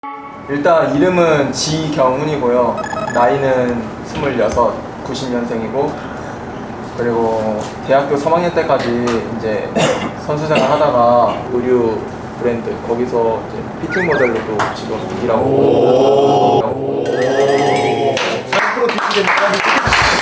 일단 이름은 지경훈이고요. 나이는 26, 90년생이고 그리고 대학교 3학년 때까지 이제 선수생활 하다가 의류 브랜드 거기서 이제 피팅 모델로도 지금 일하고 있고 40% 피팅되니까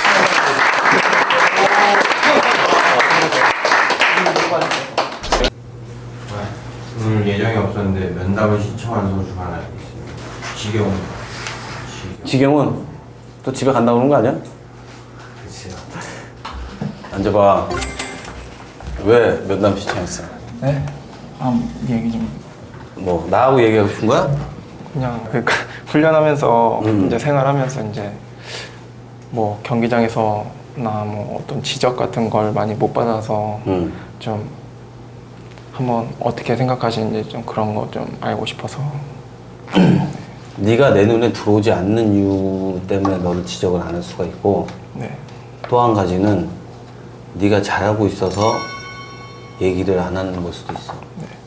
오늘 예정이 없었는데 면담을 신청한 선수가 하나 있습니다. 지경훈. 지경은 또 집에 간다고 그러는 거 아니야? 글쎄요. 앉아봐. 왜 면담 신청했어? 네? 얘기 좀. 뭐 나하고 얘기하고 싶은 거야? 그냥 그러니까 훈련하면서 이제 생활하면서 이제 뭐 경기장에서나 뭐 어떤 지적 같은 걸 많이 못 받아서 좀 한번 어떻게 생각하시는지 좀 그런 거 좀 알고 싶어서. 네가 내 눈에 들어오지 않는 이유 때문에 너를 지적을 안 할 수가 있고 네. 또 한 가지는 네가 잘하고 있어서 얘기를 안 하는 걸 수도 있어.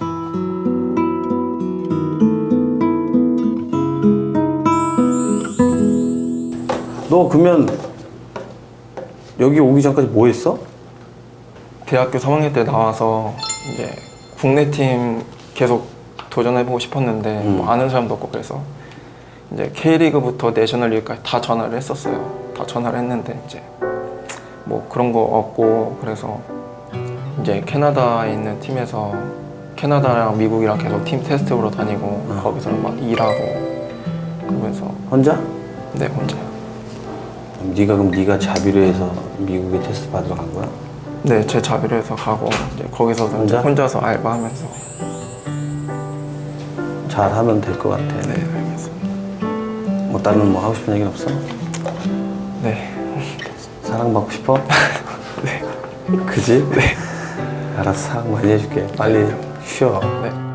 너 그러면 여기 오기 전까지 뭐 했어? 대학교 3학년 때 나와서 이제 국내 팀 계속 도전해보고 싶었는데 뭐 아는 사람도 없고 그래서 이제 K리그부터 내셔널리그까지 다 전화를 했었어요. 다 전화를 했는데 이제 뭐 그런 거 없고 그래서 이제 캐나다에 있는 팀에서 캐나다랑 미국이랑 계속 팀 테스트 보러 다니고 거기서 막 일하고 그러면서 혼자? 네 혼자요. 그럼 네가 자비로 해서 미국에 테스트 받으러 간 거야? 네 제 자비로 해서 가고 이제 거기서도 이제 혼자? 혼자서 알바하면서. 잘하면 될 것 같아. 네 알겠습니다. 뭐 다른 뭐 하고 싶은 얘기는 없어? 네. 사랑받고 싶어? 네. 그지? 네. 알았어, 사랑 많이 해줄게. 빨리 쉬어. 네.